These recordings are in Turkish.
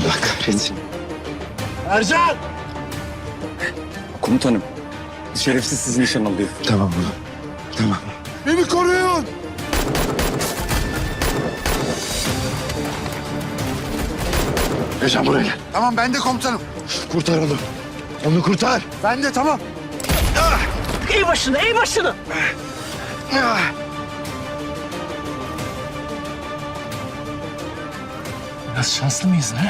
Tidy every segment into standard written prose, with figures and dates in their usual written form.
Allah kahretsin. Ercan! Komutanım, şerefsiz sizi nişan alıyor. Tamam oğlum. Tamam. Beni koruyun! Ercan buraya gel. Tamam ben de komutanım. Kurtar onu. Onu kurtar. Ben de tamam. Eğ başını, eğ başını. Biraz şanslı mıyız ha?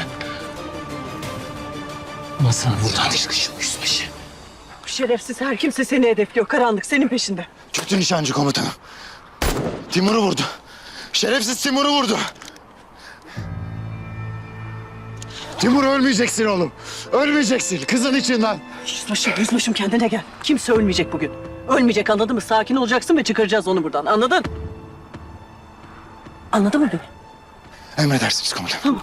Ama sana buradan çıkışım yüzbaşı. Şerefsiz her kimse seni hedefliyor. Karanlık senin peşinde. Kötü nişancı komutanım. Timur'u vurdu. Şerefsiz Timur'u vurdu. Timur ölmeyeceksin oğlum. Ölmeyeceksin. Kızın içinden. Yüzbaşım kendine gel. Kimse ölmeyecek bugün. Ölmeyecek, anladın mı? Sakin olacaksın ve çıkaracağız onu buradan. Anladın? Anladın mı beni? Emredersiniz komutanım. Tamam.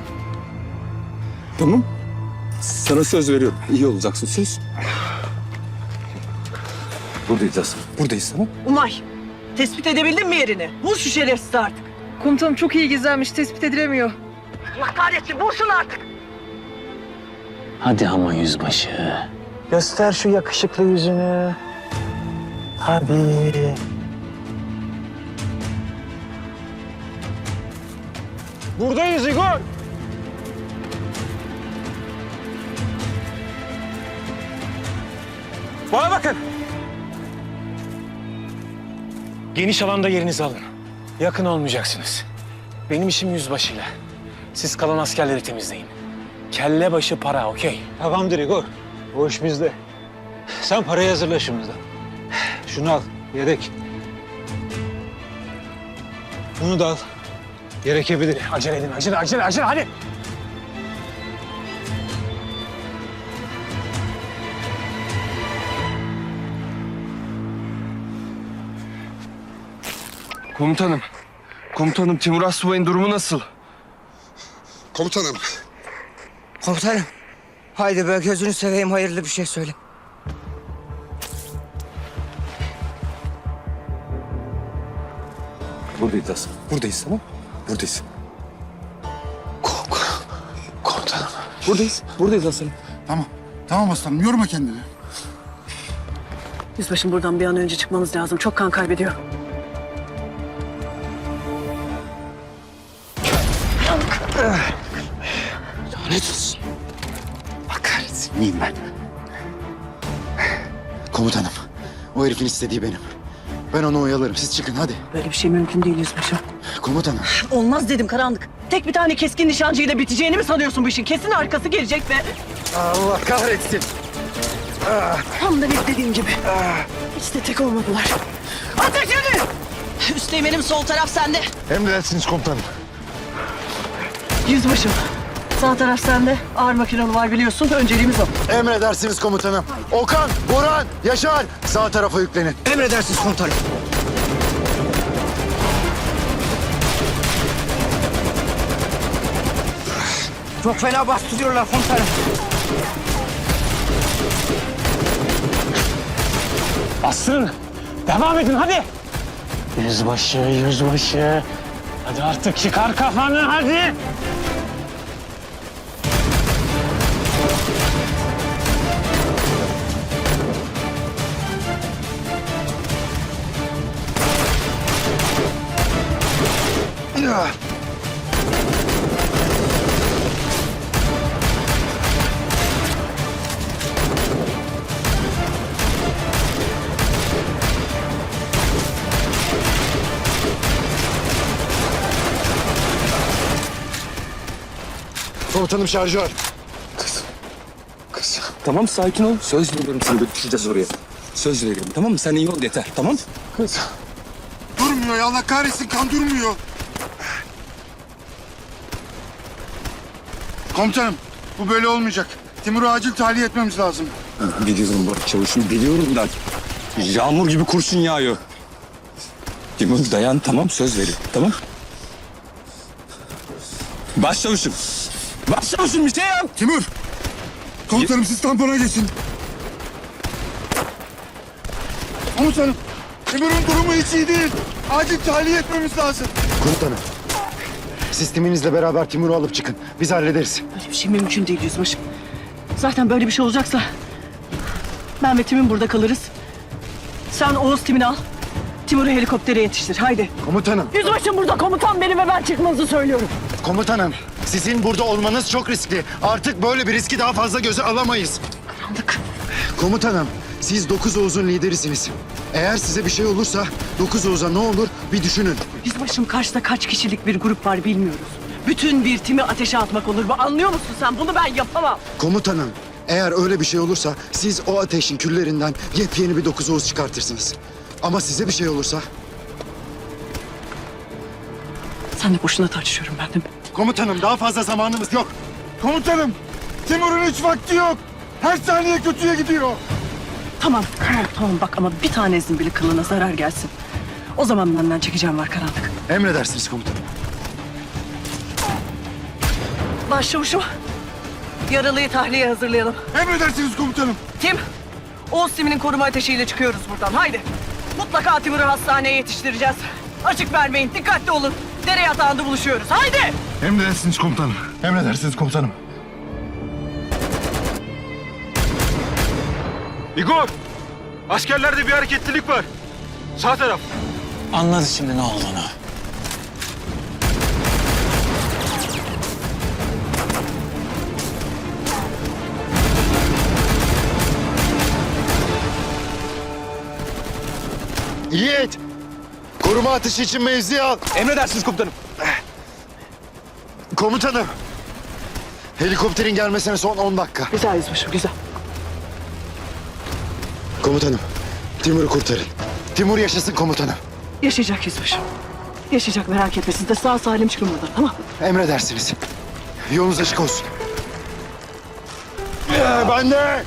Tamam. Sana söz veriyorum. İyi olacaksın, söz. Buradayız Asım. Buradayız, tamam. Umay, tespit edebildin mi yerini? Vur şu şerefsizi artık. Komutanım çok iyi gizlenmiş, tespit edilemiyor. Allah kahretsin, vur şunu artık. Hadi ama yüzbaşı. Göster şu yakışıklı yüzünü. Hadi. Buradayız Igor. Bana bakın. Geniş alanda yerinizi alın. Yakın olmayacaksınız. Benim işim yüzbaşıyla. Siz kalan askerleri temizleyin. Kelle başı para, okey? Tamamdır Igor. O iş bizde. Sen parayı hazırla şimdiden. Şunu al, yedek. Bunu da al. Gerekebilir. Acele edin, acele, hadi. Komutanım. Komutanım, Timur Asubay'ın durumu nasıl? Komutanım. Komutanım. Haydi be gözünü seveyim hayırlı bir şey söyle. Buradayız Asım. Buradayız, tamam. Buradayız. Komutanım. Buradayız Asım. Tamam. Tamam aslanım yorma kendini. Yüzbaşım buradan bir an önce çıkmamız lazım. Çok kan kaybediyor. Lanet olsun. Allah kahretsin. Neyim ben? Komutanım, o herifin istediği benim. Ben onu oyalarım. Siz çıkın hadi. Böyle bir şey mümkün değil yüzbaşım. Komutanım. Olmaz dedim Karanlık. Tek bir tane keskin nişancıyla biteceğini mi sanıyorsun bu işin? Kesin arkası gelecek ve... Allah kahretsin. Tam da beklediğim gibi. Hiç de tek olmadılar. Ateş edin! Üsteğmenim sol taraf sende. Emredersiniz komutanım. Yüzbaşım. Sağ taraf sende. Ağır makinalı var biliyorsun. Önceliğimiz o. Emredersiniz komutanım. Okan, Burhan, Yaşar sağ tarafa yüklenin. Emredersiniz komutanım. Çok fena bastırıyorlar komutanım. Bastırın. Devam edin, hadi. Yüzbaşı. Hadi artık çıkar kafanı, hadi. Komutanım şarjör. Kız. Tamam, sakin ol. Söz veriyorum sana, götüreceğiz oraya. Söz veriyorum, tamam mı? Sen iyi ol yeter, tamam? Kız. Durmuyor ya Allah kahretsin kan durmuyor. Komutanım bu böyle olmayacak. Timur'u acil tahliye etmemiz lazım. Biliyorum bak çavuşum, biliyorum da. Yağmur gibi kurşun yağıyor. Timur dayan, tamam, söz veriyorum, tamam? Başçavuşum. Başçavuşum bir şey yap. Timur. Komutanım siz tampona geçin. Komutanım. Timur'un durumu hiç iyi değil. Acil tahliye etmemiz lazım. Komutanım. Siz timinizle beraber Timur'u alıp çıkın. Biz hallederiz. Böyle bir şey mümkün değil yüzbaşım. Zaten böyle bir şey olacaksa ben ve Tim'in burada kalırız. Sen Oğuz Tim'ini al. Timur'u helikoptere yetiştir. Haydi. Komutanım, Yüzbaşım burada. Komutan benim ve ben çıkmanızı söylüyorum. komutanım. Sizin burada olmanız çok riskli. Artık böyle bir riski daha fazla göze alamayız. Karanlık. Komutanım, siz 9 Oğuz'un liderisiniz. Eğer size bir şey olursa 9 Oğuz'a ne olur bir düşünün. Yüzbaşım karşıda kaç kişilik bir grup var bilmiyoruz. Bütün bir timi ateşe atmak olur mu? Anlıyor musun sen? Bunu ben yapamam. Komutanım, eğer öyle bir şey olursa siz o ateşin küllerinden yepyeni bir 9 Oğuz çıkartırsınız. Ama size bir şey olursa... Sen de boşuna tartışıyorum ben de. Komutanım, daha fazla zamanımız yok. Komutanım, Timur'un hiç vakti yok. Her saniye kötüye gidiyor. Tamam bak ama bir tanesinin bile kılına zarar gelsin. O zaman benden çekeceğim var karanlık. Emredersiniz komutanım. Başçavuşum. Yaralıyı tahliyeye hazırlayalım. Emredersiniz komutanım. Tim, Oğuz Tim'inin koruma ateşiyle çıkıyoruz buradan. Haydi. Mutlaka Timur'u hastaneye yetiştireceğiz. Açık vermeyin, dikkatli olun. Dere yatağında buluşuyoruz. Haydi! Emredersiniz komutanım. Emredersiniz komutanım. Igor! Askerlerde bir hareketlilik var. Sağ taraf. Anladı şimdi ne olduğunu. Yiğit! Koruma ateşi için mevzi al. Emredersiniz komutanım. Komutanım. Helikopterin gelmesine son 10 dakika. Güzel yüzbaşım, güzel. Komutanım, Timur'u kurtarın. Timur yaşasın komutanım. Yaşayacak yüzbaşım. Yaşayacak, merak etme. Siz de sağ salim çıkın buradan, tamam? Emredersiniz. Yolunuz açık olsun. Ben de.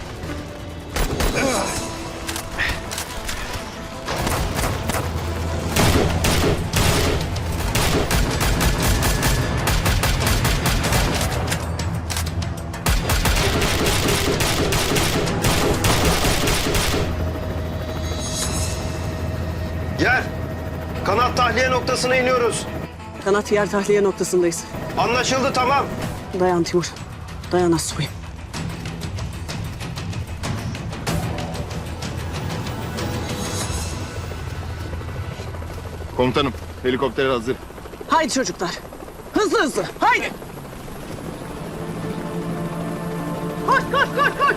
Gel. Kanat tahliye noktasına iniyoruz. Kanat yer tahliye noktasındayız. Anlaşıldı, tamam. Dayan Timur. Dayan Assoy'um. Komutanım, helikopter hazır. Haydi çocuklar. Hızlı hızlı. Haydi. Koş koş koş koş.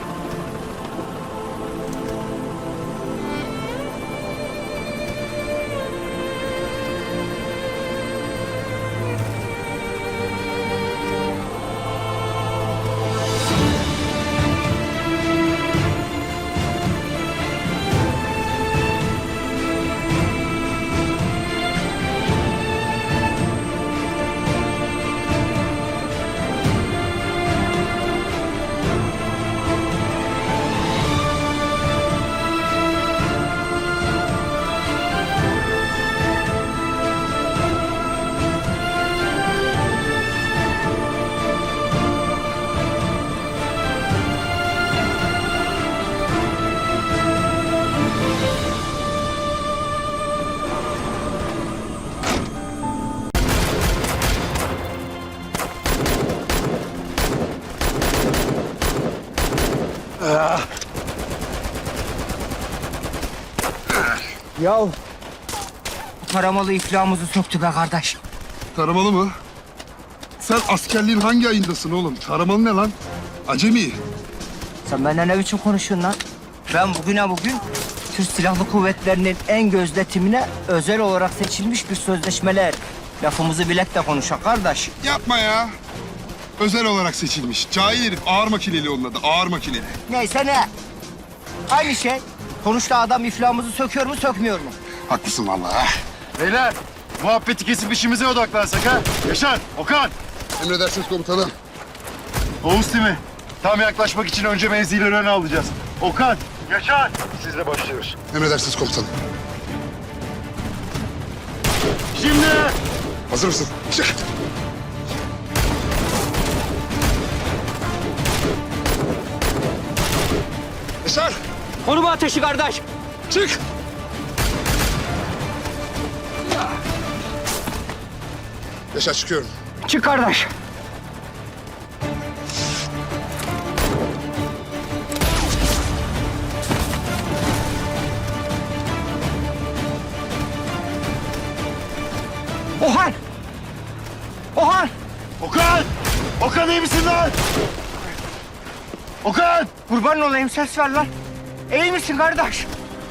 Yahu taramalı iflahımızı söktü be kardeş. Taramalı mı? Sen askerliğin hangi ayındasın oğlum? Taramalı ne lan? Acemi. Sen benden ne biçim konuşuyorsun lan? Ben bugüne bugün Türk Silahlı Kuvvetleri'nin en gözde timine özel olarak seçilmiş bir sözleşmeler. Lafımızı bilek de konuşak kardeş. Yapma ya. Özel olarak seçilmiş. Cahil herif. Ağır makineli onun adı. Ağır makineli. Neyse ne? Aynı şey. Sonuçta adam iflahımızı söküyor mu sökmüyor mu? Haklısın vallahi. Beyler, muhabbeti kesip işimize odaklansak ha. Yaşar, Okan, Emredersiniz komutanım. Oğuz Timi. Tam yaklaşmak için önce mevzileri öne alacağız. Okan, Yaşar. Sizle başlıyoruz. Emredersiniz komutanım. Şimdi. Hazır mısın? Çık. Yaşar. Koruma ateşi kardeş. Çık. Yaşar çıkıyorum. Çık kardeş. Ohan! Ohan! Okan! Okan iyi misin lan? Okan! Kurban olayım, ses ver lan. İyi misin kardeş?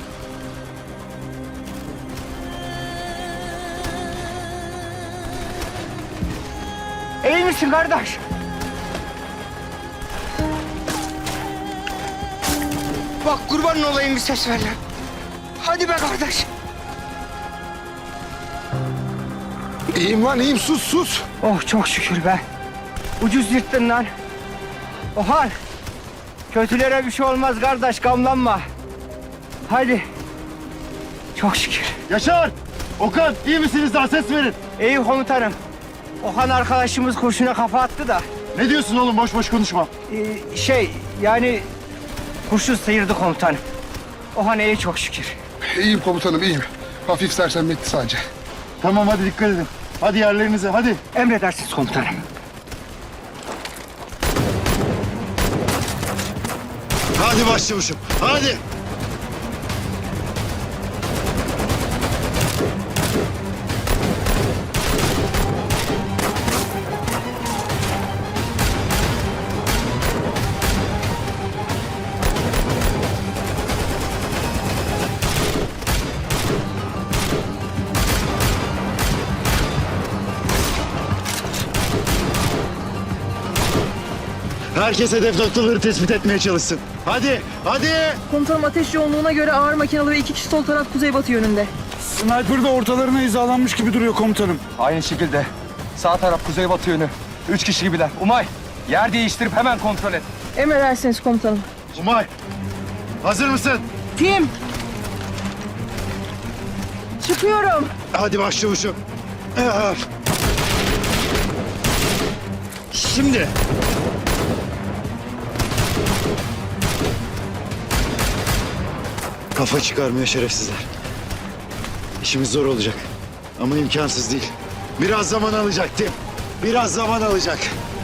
İyi misin kardeş? Bak kurban olayım, bir ses ver lan. Hadi be kardeş. İyiyim lan iyiyim sus. Oh çok şükür be. Ucuz yırttın lan. Ohan. Kötülere bir şey olmaz kardeş, gamlanma. Hadi. Çok şükür. Yaşar! Okan iyi misiniz daha ses verin. İyi komutanım. Ohan arkadaşımız kurşuna kafa attı da. Ne diyorsun oğlum boş boş konuşma. Yani kurşun sıyırdı komutanım. Ohan iyi çok şükür. İyiyim komutanım iyiyim. Hafif sersemletti sadece. Tamam hadi dikkat edin. Hadi yerlerinize hadi. Emredersiniz komutanım. Hadi başçavuşum, hadi. Herkes hedef noktaları tespit etmeye çalışsın. Hadi, hadi. Komutanım ateş yoğunluğuna göre ağır makinalı ve 2 kişi sol taraf kuzeybatı yönünde. Sniper de ortalarına hizalanmış gibi duruyor komutanım. Aynı şekilde. Sağ taraf kuzeybatı yönü. 3 kişi gibiler. Umay, yer değiştirip hemen kontrol et. Emredersiniz komutanım. Umay hazır mısın? Tim! Çıkıyorum. Hadi başçavuşum. Şimdi. Kafa çıkarmıyor şerefsizler. İşimiz zor olacak. Ama imkansız değil. Biraz zaman alacak Tim. Biraz zaman alacak.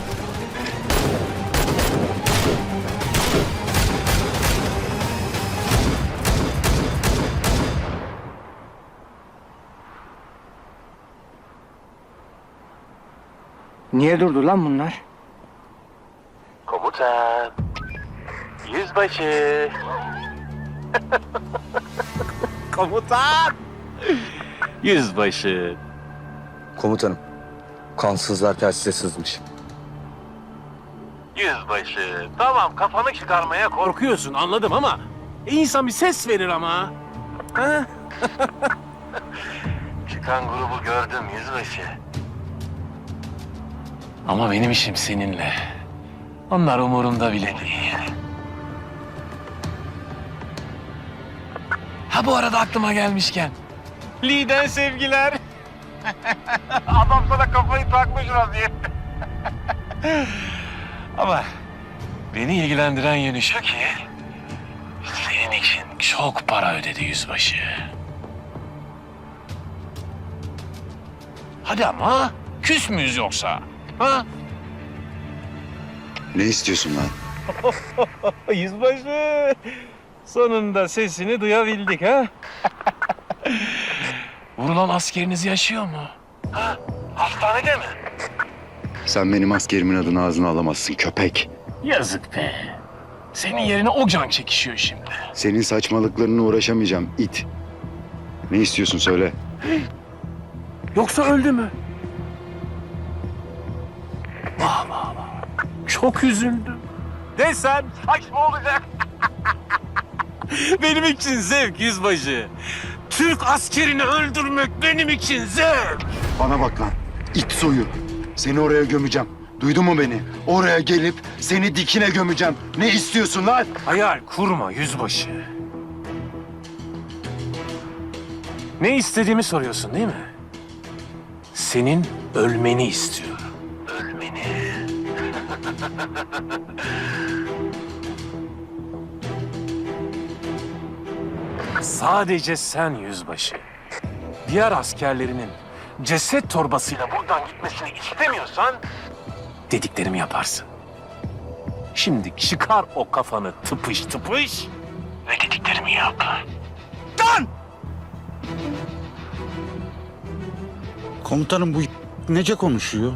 Niye durdu lan bunlar? Komutan. Yüzbaşı. Komutan. Yüzbaşı. Komutanım, kansızlar telsize sızmış. Yüzbaşı. Tamam kafanı çıkarmaya korkuyorsun anladım ama insan bir ses verir ama. Ha? Çıkan grubu gördüm yüzbaşı. Ama benim işim seninle. Onlar umurumda bile değil. Ha bu arada aklıma gelmişken. Lider sevgiler. Adam sana kafayı takmış vaziyette. Ama beni ilgilendiren yönü şu ki... senin için çok para ödedi yüzbaşı. Hadi ama küs müyüz yoksa? Ha? Ne istiyorsun lan? Yüzbaşı. Sonunda sesini duyabildik ha? Vurulan askeriniz yaşıyor mu? Ha? Hastanede mi? Sen benim askerimin adını ağzına alamazsın köpek. Yazık be. Senin yerine o can çekişiyor şimdi. Senin saçmalıklarına uğraşamayacağım it. Ne istiyorsun söyle. Yoksa öldü mü? Vah vah vah. Çok üzüldüm. Desen saçma olacak. Benim için zevk yüzbaşı. Türk askerini öldürmek benim için zevk. Bana bak lan. İt soyu. Seni oraya gömeceğim. Duydun mu beni? Oraya gelip seni dikine gömeceğim. Ne istiyorsun lan? Hayal kurma yüzbaşı. Ne istediğimi soruyorsun değil mi? Senin ölmeni istiyorum. Ölmeni. Sadece sen yüzbaşı. Diğer askerlerinin ceset torbasıyla buradan gitmesini istemiyorsan dediklerimi yaparsın. Şimdi çıkar o kafanı tıpış tıpış ve dediklerimi yap. Komutanım bu nece konuşuyor?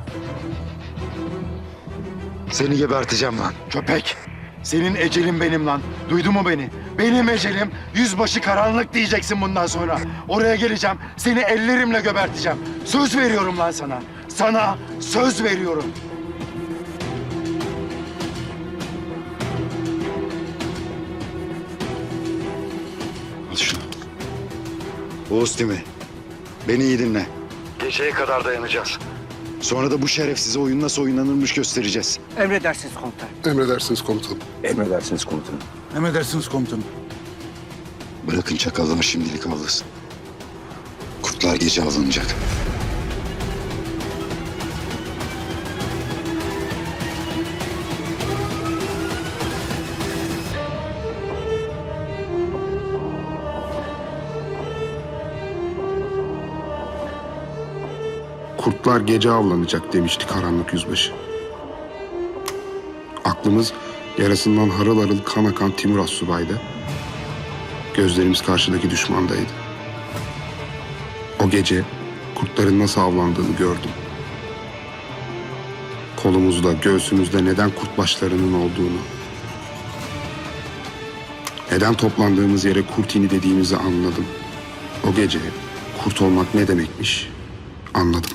Seni geberteceğim lan köpek. Senin ecelin benim lan. Duydun mu beni? Benim ecelim yüzbaşı karanlık diyeceksin bundan sonra. Oraya geleceğim. Seni ellerimle geberteceğim. Söz veriyorum lan sana. Sana söz veriyorum. Al şunu. Oğuz Timi. Beni iyi dinle. Geceye kadar dayanacağız. Sonra da bu şerefsize oyun nasıl oynanırmış göstereceğiz. Emredersiniz komutanım. Emredersiniz komutanım. Emredersiniz komutanım. Emredersiniz komutanım. Bırakın çakallar şimdilik avlasın. Kurtlar gece avlanacak. Kurtlar gece avlanacak demişti karanlık yüzbaşı. Aklımız yarasından harıl harıl kan akan Timur Assubay'da. Gözlerimiz karşıdaki düşmandaydı. O gece kurtların nasıl avlandığını gördüm. Kolumuzda, göğsümüzde neden kurt başlarının olduğunu, neden toplandığımız yere kurtini dediğimizi anladım. O gece kurt olmak ne demekmiş anladım.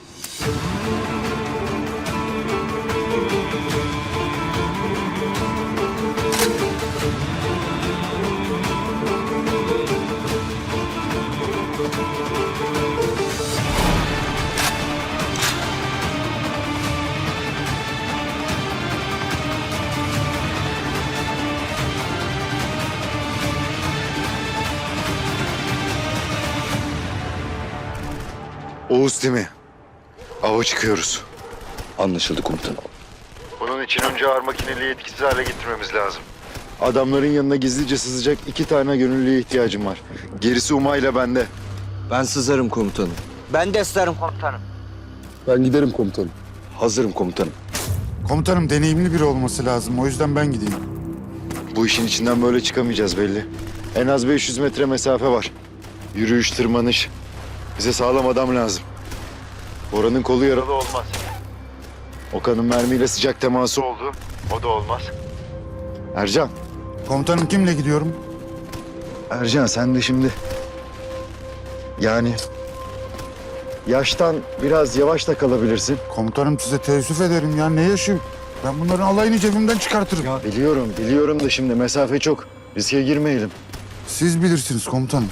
Oğuz Timi. Ava çıkıyoruz. Anlaşıldı komutanım. Bunun için önce ağır makineliği etkisiz hale getirmemiz lazım. Adamların yanına gizlice sızacak 2 tane gönüllüye ihtiyacım var. Gerisi Umay'la bende. Ben sızarım komutanım. Ben de isterim komutanım. Ben giderim komutanım. Hazırım komutanım. Komutanım deneyimli biri olması lazım. O yüzden ben gideyim. Bu işin içinden böyle çıkamayacağız belli. En az 500 metre mesafe var. Yürüyüş, tırmanış. Bize sağlam adam lazım. Bora'nın kolu yaralı olmaz. Okan'ın mermiyle sıcak teması oldu. O da olmaz. Ercan. Komutanım kimle gidiyorum? Ercan sen de şimdi... Yani... Yaştan biraz yavaş da kalabilirsin. Komutanım size teessüf ederim ya. Ne yaşıyor? Ben bunların alayını cebimden çıkartırım. Biliyorum da şimdi mesafe çok. Riske girmeyelim. Siz bilirsiniz komutanım.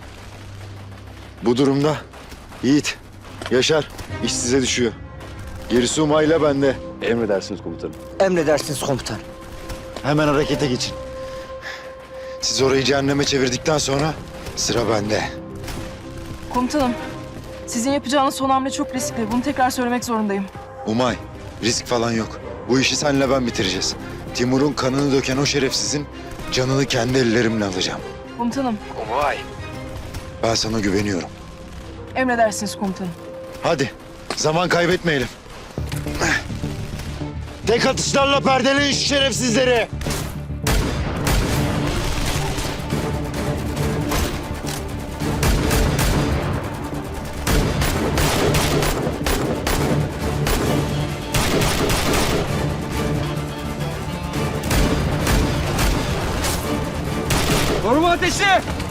Bu durumda Yiğit, Yaşar iş size düşüyor. Gerisi Umay'la bende. Emredersiniz komutanım. Emredersiniz komutanım. Hemen harekete geçin. Siz orayı cehenneme çevirdikten sonra sıra bende. Komutanım, sizin yapacağınız son hamle çok riskli. Bunu tekrar söylemek zorundayım. Umay, risk falan yok. Bu işi senle ben bitireceğiz. Timur'un kanını döken o şerefsizin canını kendi ellerimle alacağım. Komutanım, Umay. Ben sana güveniyorum. emredersiniz komutanım. Hadi, zaman kaybetmeyelim. Tek atışlarla perdeleyin şu şerefsizleri. Koruma ateşi!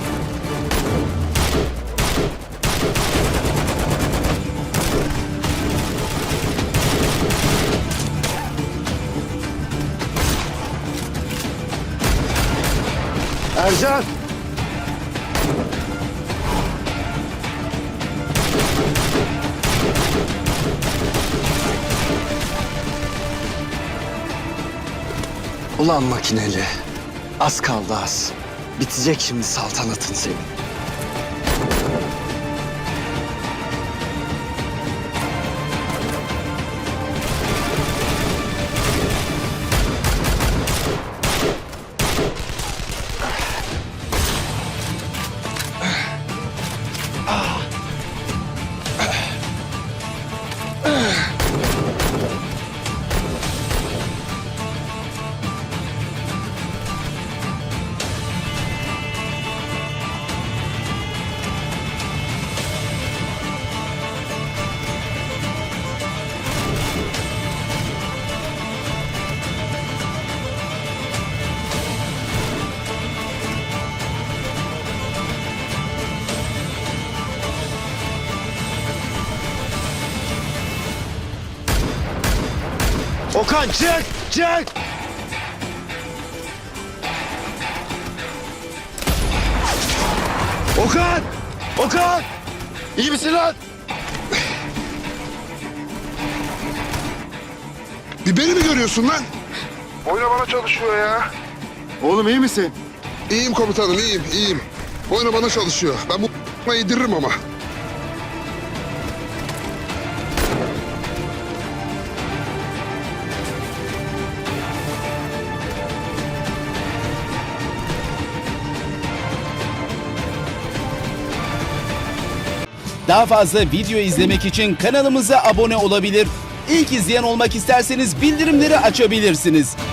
Ercan! Ulan makineli. Az kaldı az. Bitecek şimdi saltanatın senin. Okan çık! Çık! Okan! Okan! İyi misin lan? Bir beni mi görüyorsun lan? Boyna bana çalışıyor ya. Oğlum iyi misin? İyiyim komutanım, iyiyim. Boyna bana çalışıyor. Ben bu yediririm ama. Daha fazla video izlemek için kanalımıza abone olabilir. İlk izleyen olmak isterseniz bildirimleri açabilirsiniz.